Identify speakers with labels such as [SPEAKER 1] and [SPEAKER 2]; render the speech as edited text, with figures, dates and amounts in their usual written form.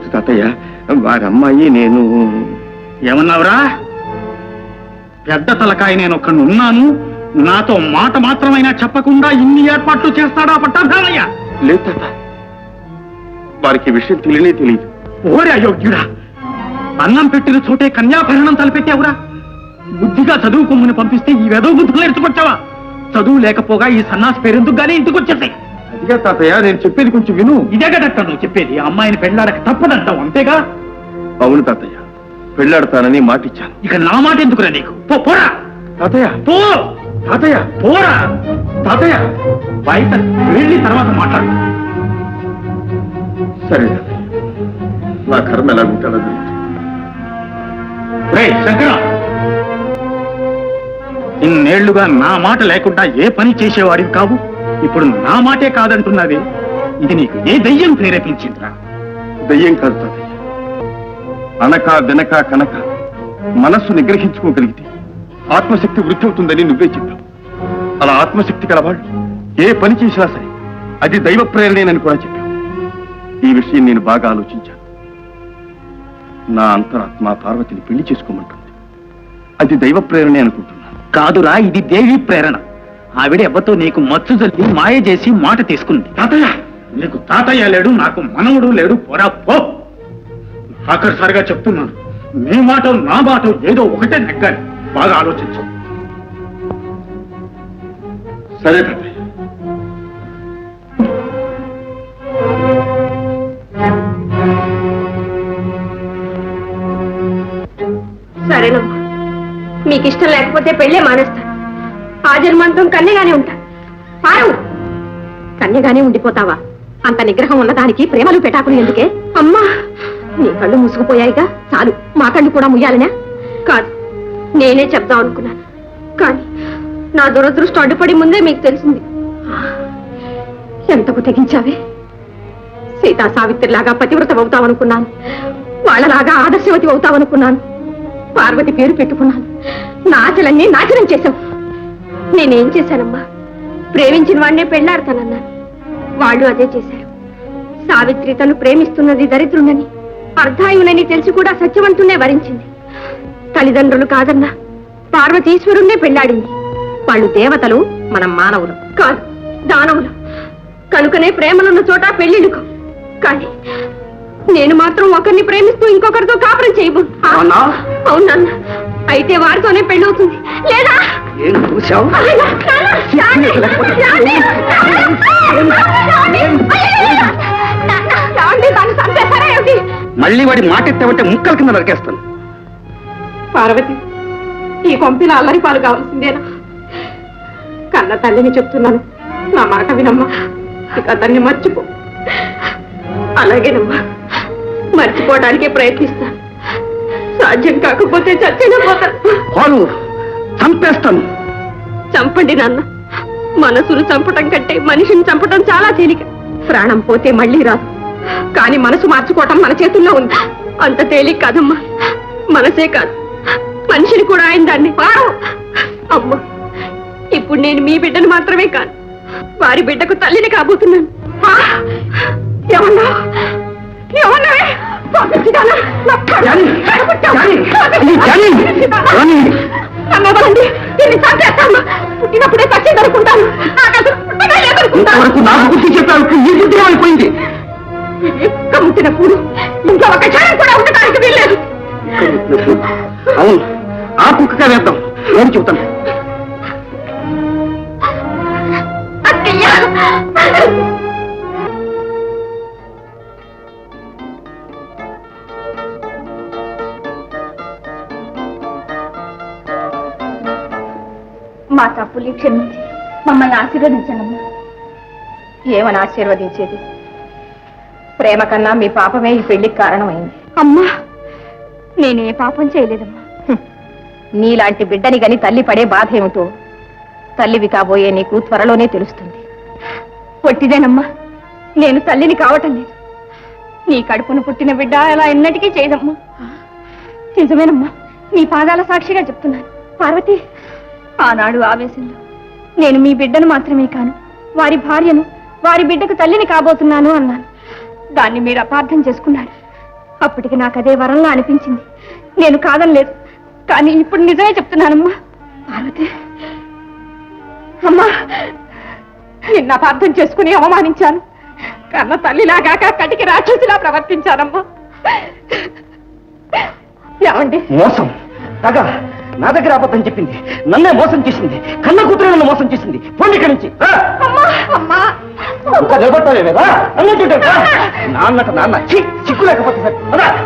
[SPEAKER 1] తాతయ్య వారి అమ్మాయి నేను.
[SPEAKER 2] ఏమన్నావురా? పెద్ద తలకాయ నేను ఒక్కడు ఉన్నాను, నాతో మాట మాత్రమైనా చెప్పకుండా ఇన్ని ఏర్పాట్లు చేస్తాడా పట్టాభామయ్య?
[SPEAKER 1] లేదు తాత, వారికి విషయం తెలియనే తెలియదు.
[SPEAKER 2] ఓరే అయోగ్యుడా, అన్నం పెట్టిన చోటే కన్యాభరణం తలపెట్టావురా. బుద్ధిగా చదువుకోమని పంపిస్తే ఈ వెదవ బుద్ధులు నేర్చుకొచ్చావా? చదువు లేకపోగా ఈ సన్నాసి పేరెందుకు గానీ ఇంటికి వచ్చేసాయి.
[SPEAKER 1] అదిగా తాతయ్య, నేను చెప్పేది కొంచెం విను.
[SPEAKER 2] ఇదే కదట నువ్వు చెప్పేది, అమ్మాయిని పెళ్ళాడక తప్పదంటావు అంతేగా?
[SPEAKER 1] అవును తాతయ్య, పెళ్ళాడతానని మాటిచ్చాను.
[SPEAKER 2] ఇక నా మాట ఎందుకురా నీకు? పోరా
[SPEAKER 1] తాతయ్య.
[SPEAKER 2] పో
[SPEAKER 1] తాతయ్య.
[SPEAKER 2] పోరా
[SPEAKER 1] తాతయ్య.
[SPEAKER 2] బయట వెళ్ళి తర్వాత మాట్లాడు.
[SPEAKER 1] సరే తాతయ్య, నా కర్మ ఎలా ఉంటాడో తెలియదు.
[SPEAKER 2] రేయ్ శంకర, ఇన్నేళ్లుగా నా మాట లేకుండా ఏ పని చేసేవాడివి కావు, ఇప్పుడు నా మాటే కాదంటున్నది. ఇది నీకు ఏ దయ్యం ప్రేరేపించిందిరా?
[SPEAKER 1] దయ్యం కాదు తాతయ్య, అనక వెనక కనక మనస్సు నిగ్రహించుకోగలిగితే ఆత్మశక్తి వృద్ధి అవుతుందని నువ్వే చెప్పావు. అలా ఆత్మశక్తి కలవాళ్ళు ఏ పని చేసినా సరే అది దైవ ప్రేరణేనని కూడా చెప్పావు. ఈ విషయం నేను బాగా ఆలోచించాను. నా అంతరాత్మ పార్వతిని పెళ్లి చేసుకోమంటుంది. అది దైవ ప్రేరణే అనుకుంటున్నాను.
[SPEAKER 2] కాదురా, ఇది దేవి ప్రేరణ. ఆవిడ ఎవ్వతో నీకు మచ్చు జల్లి మాయ చేసి మాట తీసుకుంది. తాతయ్య, నీకు తాతయ్య లేడు, నాకు మనవుడు లేడు. పోరా పో. ఆఖరిసారిగా చెప్తున్నాను, నీ మాట నా మాట ఏదో ఒకటే నెగ్గాలి. బాగా ఆలోచించు.
[SPEAKER 1] సరే తాతయ్య.
[SPEAKER 3] సరేనమ్మా, మీకు ఇష్టం లేకపోతే పెళ్ళే మానేస్తాను. ఆ జన్మాంతం కన్యగానే ఉంటా. పారు, కన్యగానే ఉండిపోతావా? అంత నిగ్రహం ఉన్నదానికి ప్రేమలు పెటాకులు ఎందుకే? అమ్మా, నీ కళ్ళు మూసుకుపోయాయిగా, చాలు. మా కళ్ళు కూడా ముయ్యాలనా? కాదు, నేనే చెప్దాం అనుకున్నాను, కానీ నా దురదృష్టం అడ్డుపడి ముందే మీకు తెలిసింది. ఎంతకు తెగించావే? సీతా సావిత్రిలాగా పతివ్రత అవుతావనుకున్నాను, వాళ్ళలాగా ఆదర్శవతి అవుతావనుకున్నాను. పార్వతి పేరు పెట్టుకున్నాను, నా ఆశలన్నీ నాశనం చేశావు. నేనేం చేశానమ్మా? ప్రేమించిన వాడినే పెళ్ళాడతానన్నాను, వాళ్ళు అదే చేశారు. సావిత్రి తను ప్రేమిస్తున్నది దరిద్రునని, అర్ధాయునని తెలిసి కూడా సత్యవంతున్నే వరించింది. తల్లిదండ్రులు కాదన్నా పార్వతీశ్వరుణ్ణే పెళ్ళాడింది. వాళ్ళు దేవతలు, మనం మానవులు. కాదు, దానవులు. కనుకనే ప్రేమలున్న చోట పెళ్లిళ్ళుకు. కానీ నేను మాత్రం ఒకరిని ప్రేమిస్తూ ఇంకొకరితో కాపురం చేయబో. అవునన్నా, అయితే వారితోనే పెళ్ళవుతుంది. లేదా
[SPEAKER 2] మళ్ళీ వాడి మాట ఎత్తావంటే ముక్కల కింద నరికేస్తాను.
[SPEAKER 3] పార్వతి, ఈ కొంపిన అల్లరి పాలు కావాల్సిందేనా? కన్న తల్లిని చెప్తున్నాను, నా మాట వినమ్మా. ఇక అతన్ని మర్చిపో. అలాగేనమ్మా, మర్చిపోవడానికే ప్రయత్నిస్తాను. సాధ్యం కాకపోతే చచ్చిన పోతాను.
[SPEAKER 2] చంపేస్తాను.
[SPEAKER 3] చంపండి నాన్న. మనసును చంపటం కంటే మనిషిని చంపటం చాలా తేలిక. ప్రాణం పోతే మళ్ళీ రాదు, కానీ మనసు మార్చుకోవటం మన చేతుల్లో ఉంది. అంత తేలిక కాదమ్మా. మనసే కాదు, మనిషిని కూడా ఆయన దాన్ని. అమ్మా, ఇప్పుడు నేను మీ బిడ్డను మాత్రమే కాదు, వారి బిడ్డకు తల్లిని కాబోతున్నాను. ఏమన్నా ఏమన్నా పుట్టినప్పుడే సత్యం దొరుకుంటాను.
[SPEAKER 2] అయిపోయింది.
[SPEAKER 3] ముట్టినప్పుడు ఇంకా ఒక క్షణం కూడా ఉండటానికి వీల్లేదు.
[SPEAKER 2] అవును, ఆ కుక్కగా వేద్దాం. నేను చెబుతాను.
[SPEAKER 3] మా తప్పుల్ని క్షమించి మమ్మల్ని ఆశీర్వదించండి. ఏమని ఆశీర్వదించేది? ప్రేమ కన్నా మీ పాపమే ఈ పెళ్లికి కారణమైంది. అమ్మా, నేనే పాపం చేయలేదమ్మా. నీలాంటి బిడ్డని గని తల్లి పడే బాధ ఏమిటో తల్లివి కాబోయే నీకు త్వరలోనే తెలుస్తుంది. పొట్టిదేనమ్మా, నేను తల్లిని కావటం లేదు. నీ కడుపును పుట్టిన బిడ్డ అలా ఎన్నటికీ చేయదమ్మా. నిజమేనమ్మా, నీ పాదాల సాక్షిగా చెప్తున్నాను. పార్వతి, ఆనాడు ఆవేశంలో నేను మీ బిడ్డను మాత్రమే కాను, వారి భార్యను, వారి బిడ్డకు తల్లిని కాబోతున్నాను అన్నాను. దాన్ని మీరు అపార్థం చేసుకున్నారు. అప్పటికి నాకు అదే వరంలా అనిపించింది. నేను కాదనలేదు, కానీ ఇప్పుడు నిజమే చెప్తున్నానమ్మా. పార్వతి అమ్మా, నిన్న అపార్థం చేసుకుని అవమానించాను. కన్న తల్లిలాగాక కటికి రాక్షసిలా ప్రవర్తించానమ్మా. ఏమండి?
[SPEAKER 2] మోసం కాగా నా దగ్గర అబద్ధం చెప్పింది, నన్నే మోసం చేసింది, కన్న కూతురు నన్ను మోసం చేసింది. పోండి ఇక్కడి నుంచి.
[SPEAKER 3] అమ్మా అమ్మా
[SPEAKER 2] నిలబడతావేరా అన్నట్టు నాన్నట నాన్న చిక్కు లేకపోతే సరే